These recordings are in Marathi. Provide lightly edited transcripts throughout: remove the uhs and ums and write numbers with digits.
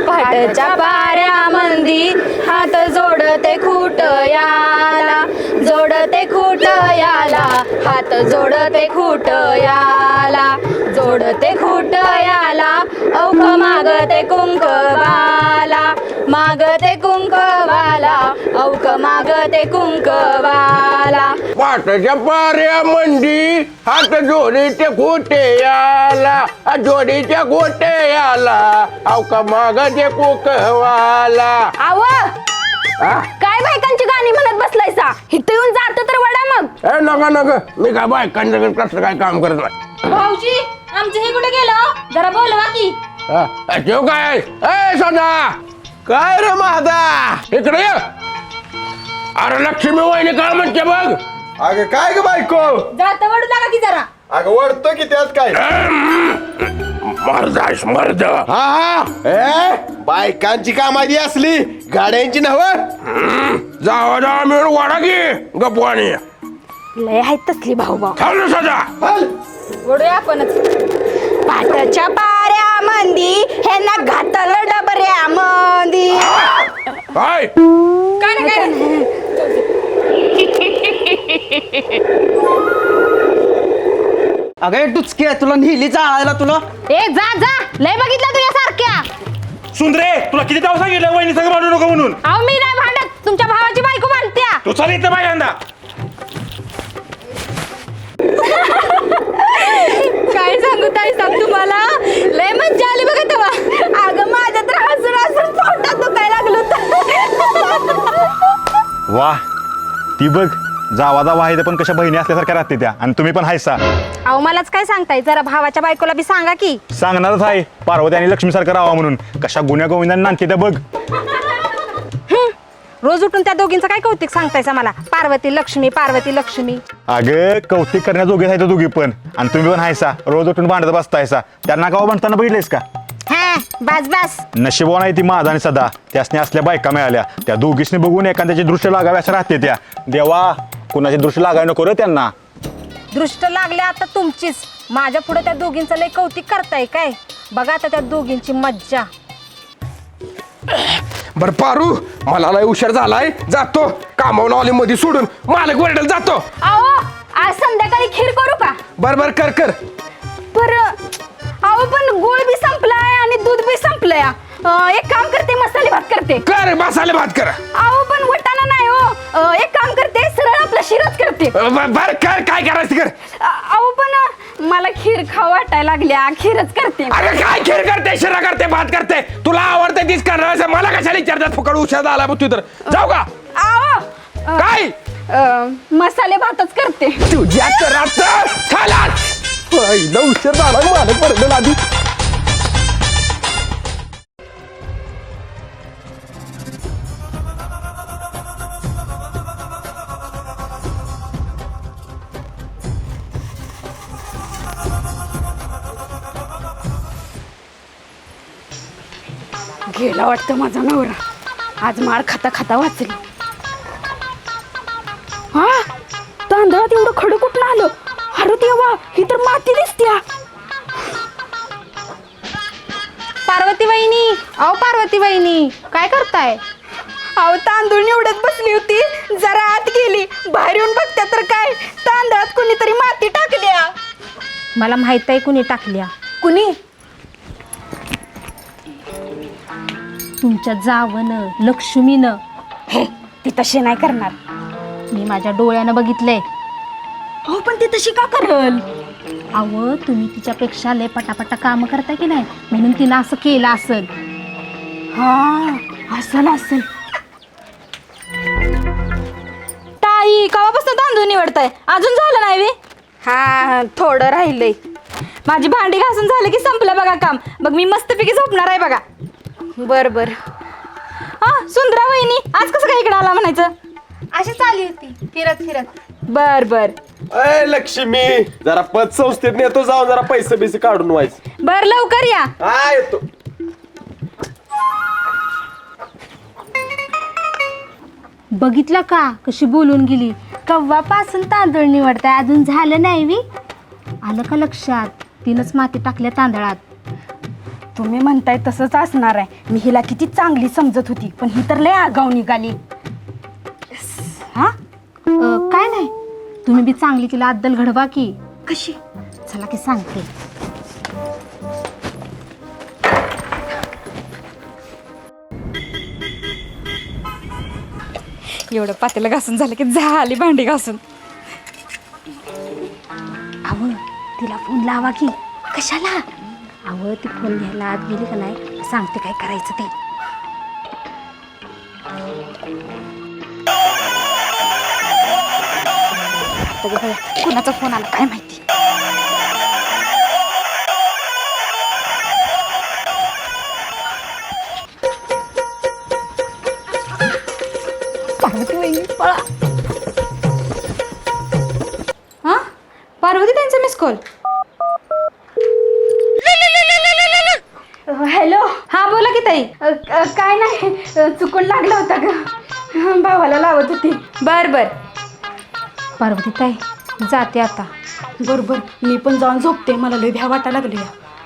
पाटच्या पाऱ्यामंदी हात जोडते खूट याला, जोडते खूट याला, हात जोडते खूट याला, जोडते खूट याला, औख मागते कुंकवाला, मागते कुंकवाला, औख मागते कुंकवाला. पाटाच्या पाऱ्यामंदी हात जोडीचे खोटे याला, जोडीच्या खोटे याला, अवका मागते कुकवाला. आव काय बायकांची गाणी म्हणत बसलायसा? इथं येऊन जातो तर वडा मग. ए नका नका, मी काय बायकांचं कसं काय काम करत नाही. भाऊजी आमचं हे कुठे गेलं? जरा बोलवा की. जेव काय ए सदा काय रे माझा? इकडे ये. अरे लक्ष्मी वहिनी काय म्हणते बघ. अगं काय ग बायको? जात वडू लागा की जरा. अगं वरतो की त्यात काय? मर्दास मर्द. हा ए बायकांची कामादी असली गाड्यांची नव. जावा जावा मिळून वाडा की गप्पाणी. लय आहेत तसली भाऊ भाऊ. थांब ना सदा. वडूया आपणच. पाटाच्या पाऱ्यामंदी हे ना घातलं डबऱ्यामंदी. काय काय ना काय अगं टुचके तुला नेली चाळायला तुला. ए जा जा, लय बघितलं तुझ्या सारख्या. सुंदरे तुला किती ताव सांगितलं वहिनी संग भांडू नको म्हणून. अहो मी नाही भांडत, तुमच्या भावाची बायको भांडत्या. तू चाल इथं पहिल्यांदा. काय सांगू ताई सांग तुम्हाला, लय मज्जा आली बघा तेव्हा. अगं माझ्या तर हसून हसून पोटात दुखायला लागलं होतं. वा ती बघ जावा जावा आहे पण कशा बहिणी असल्यासारख्या राहते त्या आणि तुम्ही पण हायसा. अहो मलाच काय सांगताय, जरा भावाच्या बायकोला बी सांगा की. सांगणारच आहे पार्वती आणि लक्ष्मी सारखं राहावा म्हणून. कशा गुन्ह्या गोविंदांनी नांदते त्या बघ. रोज उठून त्या दोघींचं काय कौतिक सांगतायसा मला. पार्वती लक्ष्मी पार्वती लक्ष्मी. अगं कौतिक करण्याजोगे आहेत दोघी पण आणि तुम्ही पण हायसा. रोज उठून भांडत बसतायसा. त्यांना गाव म्हणताना बघितलेस का? हा बस बस. नशिबवान आहे ती माझा आणि सदा. त्यासने असल्या बायका मिळाल्या. त्या दोघीसनी बघून एखाद्याची दृष्ट लागावी असं राहते त्या. देवा कुणाची दृष्ट लागावी नको रे त्यांना. दृष्ट लागले आता तुमचीच. माझ्या पुढे त्या दोघींचं लय कौतिक करताय काय? बघा आता त्या दोघींची मज्जा. बर पारू मला लय उशीर झालाय, जातो. कामावून आले मध्ये सोडून मालक वरडेल जातो. अहो आज संध्याकाळी खीर करू का? बर बर कर कर. अहो पण गुळ बी संपलाय आणि दूध बी संपलंय. एक काम करते, मसाले भात करते. कर मसाले भात कर. अहो पण वटाणा नाही हो. एक काम करते, सरळ आपला शिराच करते. बर कर काय करायचं कर. अहो पण मला खीर खाऊ वाटायला लागल्या, खीरच करते. अरे काय खीर करते, शिरा करते, भात करते. तुला आवडते तीच करणार. मला कशाला विचारतात फुकट उशीर झाला तू तर जाऊ का? अहो काय मसाले भातच करते. तुझ्या करात चला पहिला उशीर झाला मालक वरडेल आधी. गेला वाटतं माझा नवरा. आज माळ खाता खाता वाचली. हा तांदळात एवढं खडू कुठलं आलं? अरे देवा, ही तर माती दिसत्या. पार्वती वहिनी, अहो पार्वती वहिनी काय करताय? अहो तांदूळ निवडत बसली होती, जरा आत गेली. बाहेर येऊन बघत्या तर काय तांदळात कुणीतरी माती टाकल्या. मला माहित आहे कुणी टाकल्या. कुणी? तुमच्या जावनं लक्ष्मीनं. हे ती तशी नाही करणार. मी माझ्या डोळ्यानं बघितलंय. हो पण ती तशी का करल? अहो तुम्ही तिच्यापेक्षा लय पटापटा काम करता की नाही, म्हणून तिनं असं केलं असेल. हा असेल असेल. ताई कवापासून तांदूळ निवडताय? अजून झालं नाही वे? हा थोडं राहिलंय. माझी भांडी घासून झालं की संपलं बघा काम. मग मी मस्तपैकी झोपणार आहे बघा. बर बर. हा सुंदरा वहिनी आज कसं काय इकडे आला म्हणायचं? अशीच आली होती फिरत फिरत. बर बर. अय लक्ष्मी जरा पत संस्थेत नेतो जाऊन जरा पैसे बिसे काढून व्हायचं. बर लवकर या. हा येतो. बघितलं का कशी बोलून गेली? कव्वापासून तांदूळ निवडताय, अजून झालं नाही वी? आलं का लक्षात? तिनंच माती टाकल्या तांदळात. तुम्ही म्हणताय तसंच असणार आहे. मी हिला किती चांगली समजत होती, पण ही तर लय आगाऊ निघाली. हा काय नाही, तुम्ही बी चांगली तिला अद्दल घडवा की. कशी? चला की सांगते. एवढं पातेलं घासून झालं की झाली भांडी घासून. अहो तिला फोन लावा की. कशाला? अहो ती फोन घ्यायला आत गेली का नाही, सांगते काय करायचं ते. कुणाचा फोन आला काय माहिती. पार्वती वहिनी पळा. हा पार्वती त्यांचा मिस कॉल. हॅलो. हा बोला की ताई. काय नाही, चुकून लागला होता ग, भावाला लावत होती. बर बर पार्वती ताई जाते आता. बरोबर मी पण जाऊन झोपते, मला लय भ्या वाटायला लागली.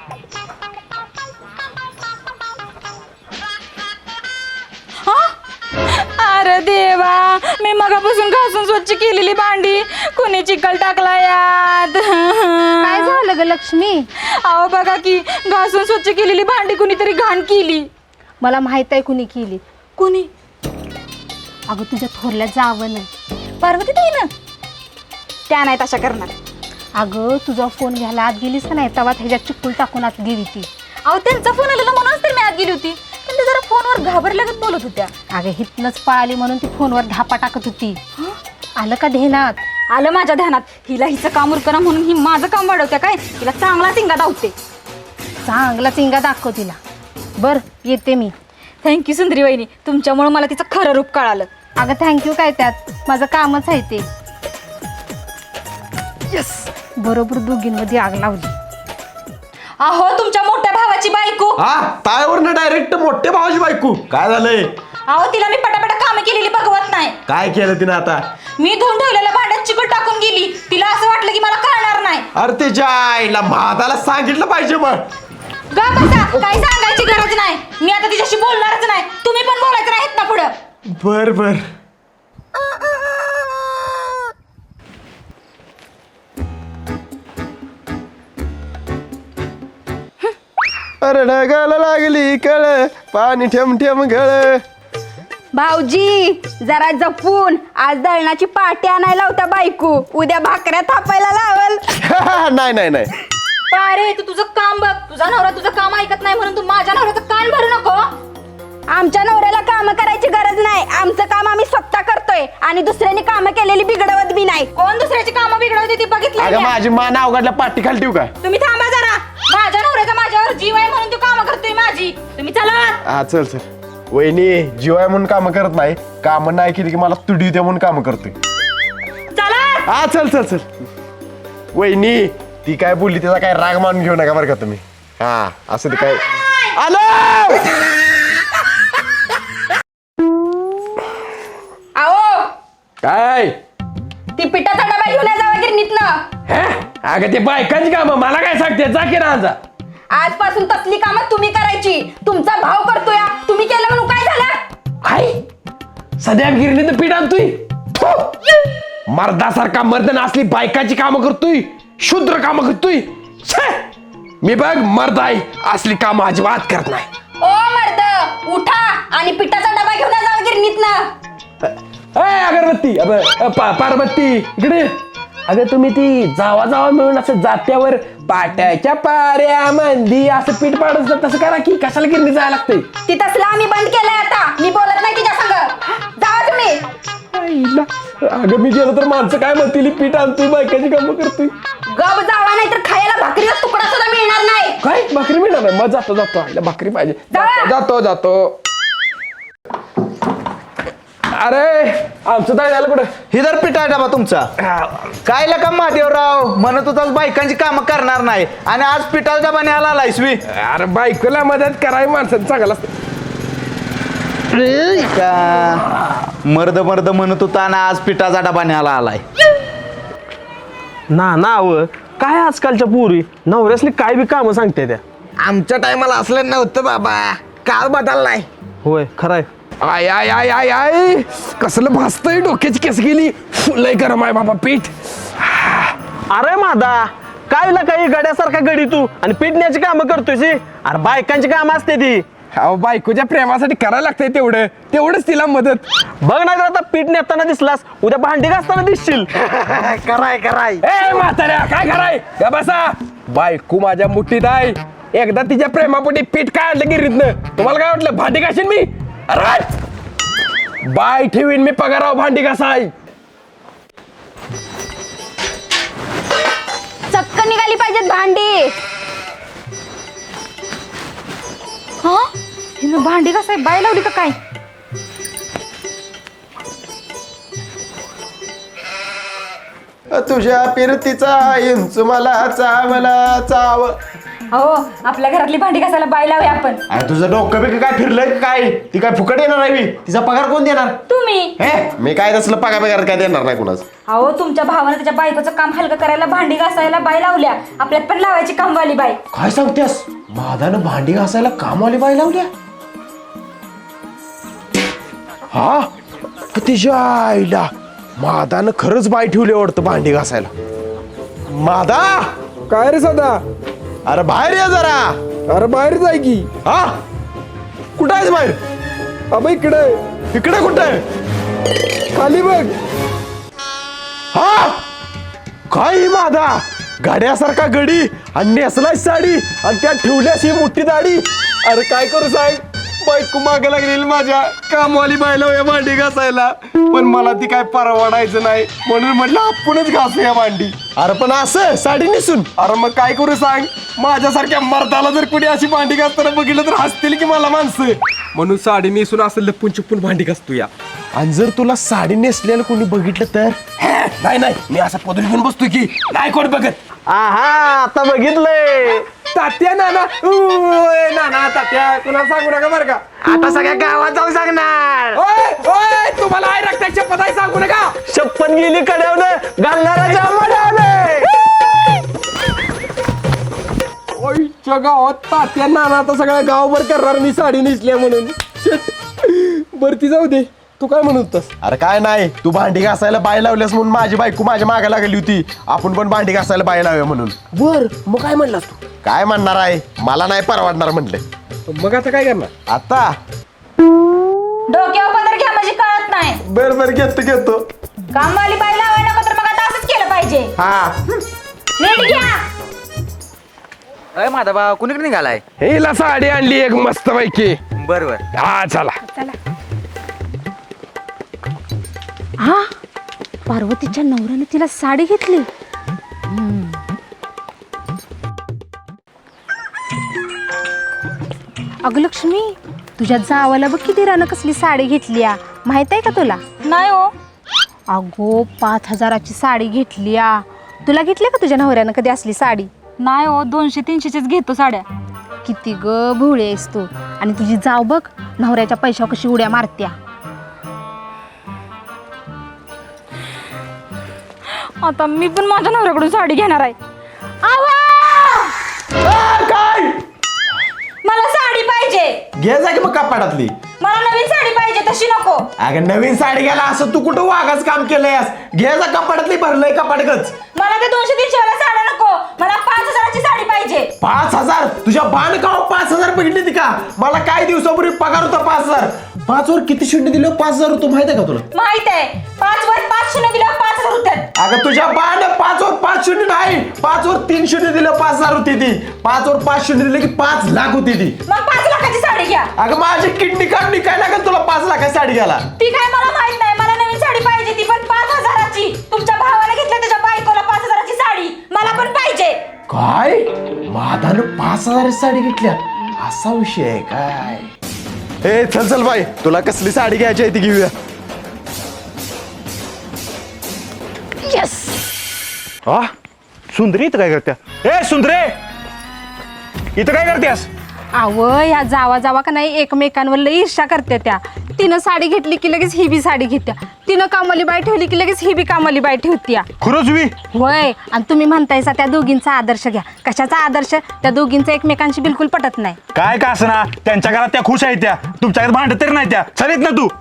अरे देवा, मी मगापासून घासून स्वच्छ केलेली भांडी कोणी चिखल टाकला यात. काय झालं ग लक्ष्मी? अहो बघा की, घासून स्वच्छ केलेली भांडी कुणीतरी घाण केली. मला माहित आहे कुणी केली. कुणी? अगं तुझ्या थोरल्या जावं नाही. पार्वती ताई ना, त्या नाही तशा करणार. अगं तुझा फोन घ्यायला आत गेलीस का नाही, तेव्हा ह्याच्यात चिक्कूल टाकून आत गेली ती. अहो त्यांचा फोन आलेला म्हणूनच तर मी आत गेली होती, पण ते जरा फोनवर घाबरल्यागत बोलत होत्या. अगं हितनच पळाली म्हणून ती फोनवर धापा टाकत होती. आलं का ध्यानात? आलं माझ्या ध्यानात. हिला हिचं काम उरकरा म्हणून ही माझं काम वाढवत्या काय. हिला चांगला सिंगा धावते. चांगला चिंगा दाखव तिला. बर येते मी. थँक्यू सुंदरी वहिनी, तुमच्यामुळे मला तिचं खरं रूप कळालं. अगं थँक्यू काय, त्यात माझं कामच आहे ते. यस. बरोबर दोघींमध्ये आग लावली. अहो तुमच्या मोठ्या भावाची बायको. हा तायावरनं डायरेक्ट मोठ्या भावाची बायको. काय झालंय? अहो तिला मी पटापटा कामं केलेली बघवत नाही. काय केलं तिने आता? मी धुवून ठेवलेल्या भांड्यात चिकट टाकून गेली. तिला असं वाटलं की मला कळणार नाही. अरे त्याच्या आईला म्हाताला सांगितलं पाहिजे मग. गा बसा, काही सांगायची गरज नाही. मी आता तिच्याशी बोलणारच नाही. तुम्ही पण बोलायचं नाही ना पुढं. बर बर. अरे ढगाला लागली कळ, पाणी ठेम ठेम गळ. भाऊजी जरा जपून, आज दळणाची पाटी आणायला होता बायको, उद्या भाकऱ्या थापायला लावल. नाही नाही नाही. अरे तू तुझं काम बघ. तुझा नवरा तुझं काम ऐकत नाही म्हणून तू माझ्या नवऱ्याचं कान भरू नको. आमच्या नवऱ्याला काम करायची गरज नाही. आमचं काम आम्ही स्वतः करतोय आणि दुसऱ्याने कामं केलेली बिघडवत बी नाही. कोण दुसऱ्याची कामं बिघडवते ती बघितली. अगं माझी मान अवघडल्या पाठी खाली ठेवू का? तुम्ही थांबा जरा. माझ्या नवऱ्याचा माझ्यावर जीव आहे म्हणून तू कामं करतोय माझी. तुम्ही चला. हा चल चल. वहिनी जीवाय म्हणून कामं करत नाही, कामं नाही केली की मला तुडी होते म्हणून कामं करतोय. चला. हा चल चल चल. वहिनी ती काय बोलली त्याचा काय राग मानून घेऊ नका बरं का तुम्ही. हा असं ते काय आलो. आओ काय? ती पिठाचा डबा घेऊन जावा गिरणीतनं. हे अगं ते बायकांची कामं मला काय सांगते, जा की राजा. आजपासून तसली कामं तुम्ही करायची. तुमचा भाव करतोय, तुम्ही केलं म्हणून काय झालं. आई सध्या गिरणीत पीठ आणतोय. मर्दासारखा मर्द असली बायकाची कामं करतोय, शूद्र कामं करतोय. छे! मी बघ मर्द आहे, असली कामं अजिबात करत नाही. ओ मर्द उठा आणि पिठाचा डबा घेऊन जावा गिरणीतनं. अगरबत्ती पार्वती इकडे. अगं तुम्ही ती जावा जावा मिळून असं जात्यावर पाट्याच्या पाऱ्या मंदी असं पीठ पाडत तसं करा की, कशाला गिरणी जायला लागतंय. ती तसलं आम्ही बंद केलंय आता. मी बोलत नाही तिच्या संग. जावा तुम्ही. अगं मी गेलो तर माणसं काय म्हणतील, पीठ आणतोय बायकाची कामं करतोय. गप जावा नाही तर खायला भाकरीचा तुकडा सुद्धा मिळणार नाही. काय भाकरी मिळणार नाही? मग जातो जातो. आईला भाकरी पाहिजे. जातो जातो. अरे आमचं काय झालं कुठं? ही जर पिठा डबा तुमचा. काय लका महादेवराव म्हणत होतास बायकांची कामं करणार नाही आणि आज पिठाचा डबा न्यायला आलायस वी. अरे बायकोला मदत करावी माणसाचं चांगलं असतं. मर्द मर्द म्हणत होता आणि आज पिठाचा डबा न्यायला आलाय. ना काय आजकालच्या पोरी नवऱ्यासली काय बी कामं सांगते त्या. आमच्या टायमाला असलं नव्हतं बाबा, काळ बदललाय. होय खरंय. आय आय आय आय आय कसलं भासतंय, डोक्याची केस गेली. लय गरम आहे बाबा पीठ. अरे मादा काय काही गड्यासारखा गडी तू आणि पिटण्याची कामं करतोय. अरे बायकांची कामं असते ती. अहो बायकोच्या प्रेमासाठी करायला लागतंय तेवढंच तिला मदत. बघ नाही तर आता पीठ नेताना दिसलास, उद्या भांडी घासताना दिसशील. कराय ए म्हाताऱ्या काय कराय या बसा. बायको माझ्या मुठीत आहे. एकदा तिच्या प्रेमापोटी पीठ काय आणलं गिरीतनं, तुम्हाला काय वाटलं भांडी घासीन मी? अरे बाय ठेवीन मी पगाराव भांडी घासाय. चक्क निघाली पाहिजेत भांडी. हा हिनं भांडी कसं आहे, बाय लावली का काय? तुझ्या फिरतीचा इंच मला चाव. हो आपल्या घरातली भांडी घासायला बाय लावूया आपण. अरे तुझं डोकं बिकं काय फिरलंय का काय? ती काय फुकट येणार आहे मी? तिचा पगार कोण देणार? तुम्ही. हे मी काय तसलं पगार काय देणार नाही कुणाच. अहो तुमच्या भावानं त्याच्या बायकोचं काम हलकं करायला भांडी घासायला बाय लावल्या. आपल्यात पण लावायची कामवाली बाय. काय सांगतेस? मादानं भांडी घासायला कामवाली बाई लावल्या? हा तिच्या आईला मादानं खरंच बाई ठेवली वाटतं भांडी घासायला. मादा काय रे सदा? अरे बाहेर ये जरा. अरे बाहेर जाय की. हा कुठं आहेस बाहेर? अब इकडे इकडे कुठं आहे? खाली बघ. हा काय मादा गाड्यासारखा गडी आणि नेसलाय साडी आणि त्यात ठेवल्यास ही मोठी दाढी. अरे काय करू सांग, बायको मागे लागलेली माझ्या कामवाली बायला या भांडी घासायला, पण मला ती काय परवडायचं नाही म्हणून म्हटलं आपणच घासूया भांडी. अरे पण असं साडी नेसून? अरे मग काय करू सांग, माझ्यासारख्या मर्दाला जर कुणी अशी भांडी घासताना बघितलं तर हसतील की मला माणसं, म्हणून साडी नेसून असं लपून चुपून भांडी घासतो या. आणि जर तुला साडी नेसलेलं कोणी बघितलं तर? नाही मी असा पदरी घेऊन बसतो की नाही कोण बघत. आहा आता बघितलंय. तात्या नाना ओय, नाना तात्या कुणाला सांगू नका बरं का. आता सगळ्या गावात जाऊन सांगणार. ओय ओय तुम्हाला आहे रक्ताची शपथ आहे, सांगू नका. शपथ गेली कड्यावनं घालणारा ओयच्या गावात तात्या नाना आता सगळ्या गावभर करणार मी साडी नेसल्या म्हणून. शेट बरं ती जाऊ दे, तू काय म्हणत होतास? अरे काय नाही, तू भांडी घासायला बाय लावल्यास म्हणून माझी बायको माझ्या मागे लागली होती, आपण पण भांडी घासायला बाय लावूया म्हणून. बर मग काय म्हणलास तू? काय म्हणणार आहे, मला नाही परवडणार म्हटले. मग आता काय करणार? आता डोक्यावर पदर घ्या म्हणजे कळत नाही. बर घेतो. कामवाली बाय लावाय नको तर मग आता असंच केलं पाहिजे. हा नीट घ्या. अय माझा भाऊ कुणीकडे निघालाय? हिला साडी आणली एक मस्त पैकी. बर हा चला. हा पार्वतीच्या नवऱ्याने तिला साडी घेतली. अगं लक्ष्मी तुझ्या जावाला बघ किती रानं कसली साडी घेतली माहित आहे का तुला? नाही हो. अगो 5,000ची साडी घेतली. तुला घेतली का तुझ्या नवऱ्यानं कधी असली साडी? नाही हो, 200-300च्याच घेतो साड्या. किती ग भोळी आहेस तू. आणि तुझी जाव बघ नवऱ्याच्या पैशावर कशी उड्या मारत्या. आता मी पण माझ्या नवऱ्याकडून साडी घेणार आहे. काय मला साडी पाहिजे. घे जा की मग कपाटातली. मला नवीन साडी पाहिजे, तशी नको. अगं नवीन साडी घ्यायला असं तू कुठं वागाच काम केलंयस? घे जा कपाटातली, भरलंय कपाटच. मला ते 200-300 वाला साड्या नको. मला 5,000ची साडी पाहिजे. 5,000? तुझ्या बांधकाव 5,000 बघितली ती का? मला काही दिवसापूर्वी पगार होता 5,000. 5 वर किती शून्य दिलं? 5,000 होतो माहित आहे का तुला? माहित आहे. 5 वर 5 शून्य दिल्यावर 5,000 होतात. अगं तुझ्या बाण 5 वर 5 शून्य नाही, 5 वर 3 शून्य दिलं 5,000 होती ती. 5 वर 5 शून्य दिले की 5 लाख होती ती. मग 5 लाखाची साडी घ्या. अगं माझी किडनी काढणी काय लागेल तुला 5 लाखाची साडी घ्यायला? ती काय मला माहित नाही. मला नवीन साडी पाहिजे, ती पण 5,000ची. तुमच्या भावाला घेतली त्याच्या बायकोला 5,000ची साडी, मला पण पाहिजे. काय मादानं 5,000 साडी घेतल्या? असा विषय आहे काय? ए चल बाई, तुला कसली साडी घ्यायची आहे ती घेऊया. हा सुंदरी इथं काय करत्या? ए सुंदरे इथं काय करतेस? अव ह्या जावा जावा का नाही एकमेकांवर लई ईर्षा करते त्या. तिनं साडी घेतली की लगेच ही बी साडी घेत्या. तिनं कामाली बाई ठेवली की लगेच ही बी कामाली बाई ठेवत्या. खरंच वी होय. आणि तुम्ही म्हणतायसा त्या दोघींचा आदर्श घ्या. कशाचा आदर्श? त्या दोघींचा एकमेकांशी बिलकुल पटत नाही. काय का असना त्यांच्या घरात त्या खुश आहेत त्या, तुमच्या घरात भांडत तरी नाही त्या. चलित ना तू.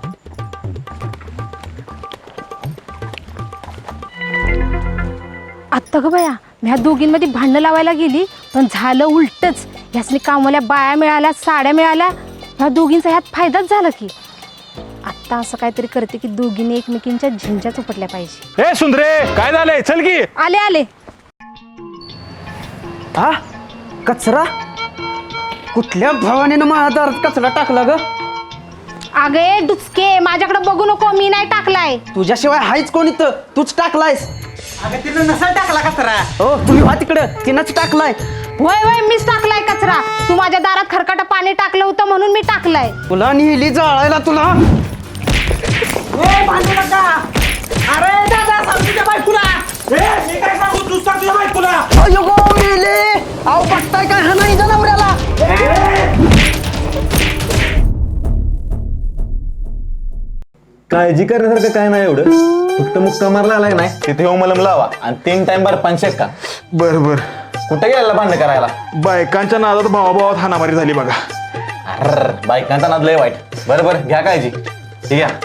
आत्ता ग बया ह्या दोघींमध्ये भांडणं लावायला गेली पण झालं उलटच. ह्यासनी कामाल्या बाया मिळाल्या, साड्या मिळाल्या. ह्या दोघींचा ह्यात फायदाच झाला की. आत्ता असं काहीतरी करते की दोघींनी एकमेकींच्या झिंज्या चुपटल्या पाहिजे. ए सुंदरे काय झालंय? चल की. आले आले. हा कचरा कुठल्या भावाने माझ्या दारात कचरा टाकला ग? अगे डुचके माझ्याकडे बघू नको, मी नाही टाकलाय. तुझ्याशिवाय हायच कोणी तर तूच टाकलायस. अगं तिनं नसेल टाकला कचरा. हो तुम्ही व्हा तिकडं, तिनंच टाकलाय. होय होय मीच टाकलाय कचरा. तू माझ्या दारात खरकाट पाणी टाकलं होतं म्हणून मी टाकलाय. तुला नेली जाळायला तुला. अरे दादा सांग तुझ्या बायकोला. मी काय सांगू, तूच सांग तुझ्या बायकोला. अयो गो मेले. अहो बघताय काय हा नाही जनावराला. काळजी करण्यासारखं काय नाही एवढं, फक्त मुक्का मारला आलाय नाही तिथे येऊन मलम लावा आणि 3 टाइम बार 5 का. बर बर. कुठे गेला भांडण करायला? बायकांच्या नादात भावाभावात हाणामारी झाली बघा. अर बायकांचा नाद लय वाईट. बरं बरं घ्या काळजी. ठीक आहे.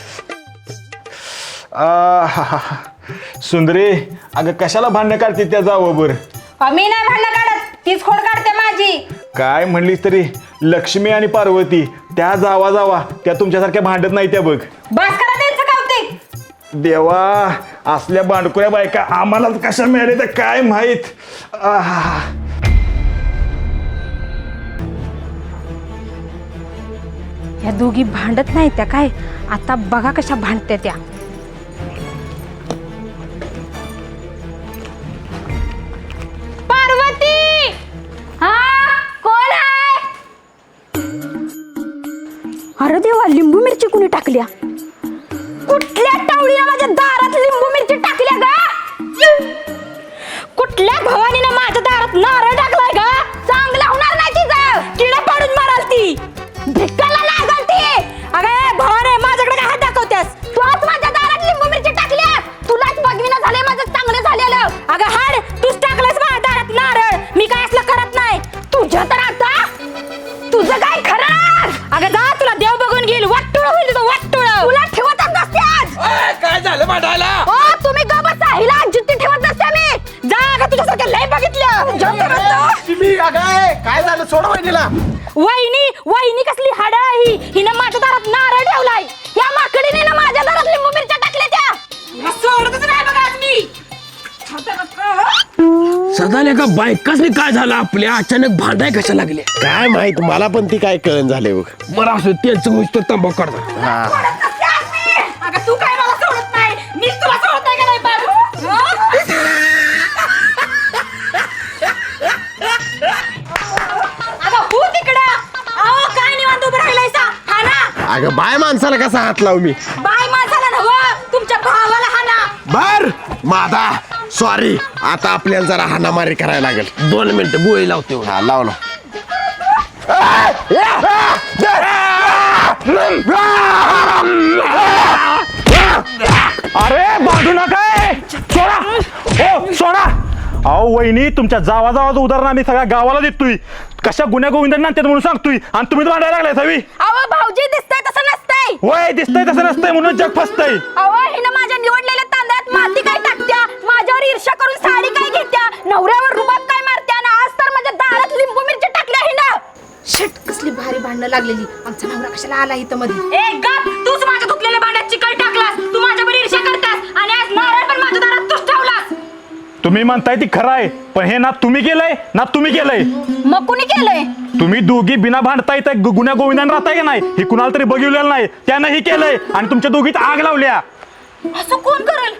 सुंदरे अगं कशाला भांडणं काढते त्या जावं बर? मी नाही भांडणं काढत, तीच खोड काढते माझी. काय म्हणलीस तरी लक्ष्मी आणि पार्वती त्या जावा त्या तुमच्यासारख्या भांडत नाही त्या बघ. बस करा त्यांचं कौतिक. देवा असल्या बांडकुऱ्या बायका आम्हाला कशा मिळाल्या तर काय माहित. ह्या दोघी भांडत नाही त्या काय. आता बघा कशा भांडत्या त्या. पार्वती, हा कोण आहे? अरे देवा, लिंबू मिरची कुणी टाकल्या? कुठल्या टावळीने माझ्या दारात लिंबू मिरची टाकल्या गा? कुठल्या भवानीनं माझ्या दारात नारळ टाकलाय गा? चांगला होणार नाही तिचं, किडा पाडून माराल ती, भिक्काला लागल ती. अगं भवाने माझ्याकडे काय हात दाखवतेस? तू आज माझ्या दारात लिंबू मिरची टाकल्यास. तुलाच बघविना झाले माझं चांगलं झालेलं. अगं हाड, तूच टाकलंस माझ्या दारात नारळ. मी काय असलं करत नाही. तुझ्या तर आता तुझं काय खरं? अगं जा, तुला देव बघून घेईल. वाटुळ होईल तुझं, वाटुळ. तुला ठेवतच नसते आज. काय झालं भांडायला? ओ तुम्ही ग बसा, हिला जिद्दी ठेवत नसते मी. जा अगं, तुझ्यासारखं लय बघितलं. काय झालं? सोड वहिनीला. वहिनी कसली हाड ही? हिनं माझ्या दारात नारळ ठेवलाय. या माकडीने ना माझ्या दारात लिंबू मिरच्या टाकल्या त्या. हिला सोडतच नाही बघा आज मी. सदाले का बायकासनी काय झालं आपल्या अचानक भांडाय कशा लागले काय माहित मला पण ती काय कळण झाले बघ. बरं असं त्यांचं उच तर तंबाखू काढता. सोडत नसते आज मी. अगं तू काय मला सोडत नाही, मीच तुला सोडत नाही का नाही बाबू? अगं हो तिकडं. अहो काय निवांत उभं राहिलायसा? हा ना, अगं बाय माणसाला कसा हात लावू मी? बाय माणसाला नव्हं, तुमच्या भावाला हा ना. बर मादा सॉरी. आता आपल्याला जरा हाणामारी करायला लागेल. 2 मिनिटं गोळी लावते. हा लावलो. अरे बांधू नका. सोडा. हो सोडा. अहो वहिनी तुमच्या जावाचं उदाहरण आम्ही सगळ्या गावाला देतोय. कशा गुन्ह्या गोविंदांना नात्यात म्हणून सांगतोय आणि तुम्ही भांडायला लागलाय सवी. अहो भाऊजी, दिसतंय तसं नसतंय. होय दिसतंय तसं नसतंय म्हणून जग फसतंय. अहो हिनं माझ्या निवडलेल्या तांदळात माती काय टाकत्या, माझ्यावर ईर्ष्या करून साडी काय घेत्या, नवऱ्यावर रुबाब काय मारत्या, आणि आज तर माझ्या दारात लिंबू मिरची टाकल्या हिनं. शिट, कसली भारी भांडणं लागलेली. आमचा नवरा कशाला आला इथं मध्ये? ए गप, तूच माझ्या धुतलेल्या भांड्यात चिकट टाकलास. तू माझ्यावर ईर्ष्या करतास आणि आज नारळ पण माझ्या दारात तूच ठेवलास. तुम्ही म्हणताय ती खरं आहे, पण हे ना तुम्ही केलंय ना तुम्ही केलंय. मग कुणी केलंय? तुम्ही दोघी बिना भांडता इथं गुन्ह्या गोविंदान राहताय की नाही हे कुणाला तरी बघिवलेलं नाही. त्यानं ही केलंय आणि तुमच्या दोघीत आग लावल्या. असं कोण करेल?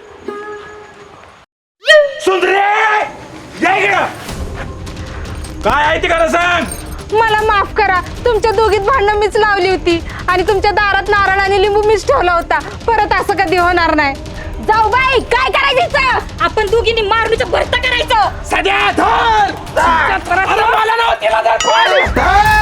सुंदरे या इकडं. काय आहे ते खरं सांग. मला माफ करा, तुमच्या दोघीत भांडणं मीच लावली होती आणि तुमच्या दारात नारळ आणि लिंबू मीच ठेवला होता. परत असं कधी होणार नाही. जाऊ बाई काय करायचं आपण दोघींनी मारणीचं भरता करायचं. सध्या धर अरे मला नव्ह, तिला धर.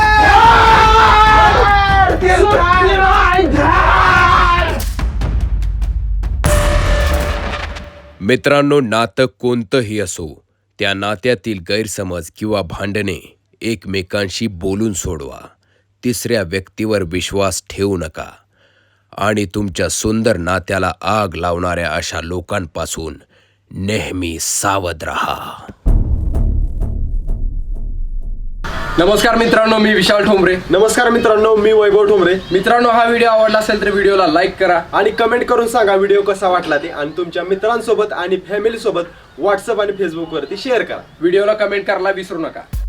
मित्रांनो, नातं कोणतंही असो, त्या नात्यातील गैरसमज किंवा भांडणे एकमेकांशी बोलून सोडवा. तिसऱ्या व्यक्तीवर विश्वास ठेवू नका आणि तुमच्या सुंदर नात्याला आग लावणाऱ्या अशा लोकांपासून नेहमी सावध राहा. नमस्कार मित्रांनो, मी विशाल ठोंबरे. नमस्कार मित्रांनो, मी वैभव ठोंबरे. मित्रांनो, हा व्हिडिओ आवडला असेल तर व्हिडिओला लाईक करा आणि कमेंट करून सांगा व्हिडिओ कसा वाटला ते, आणि तुमच्या मित्रांसोबत आणि फॅमिली सोबत व्हॉट्सअप आणि फेसबुक वरती शेअर करा. व्हिडिओला कमेंट करायला विसरू नका.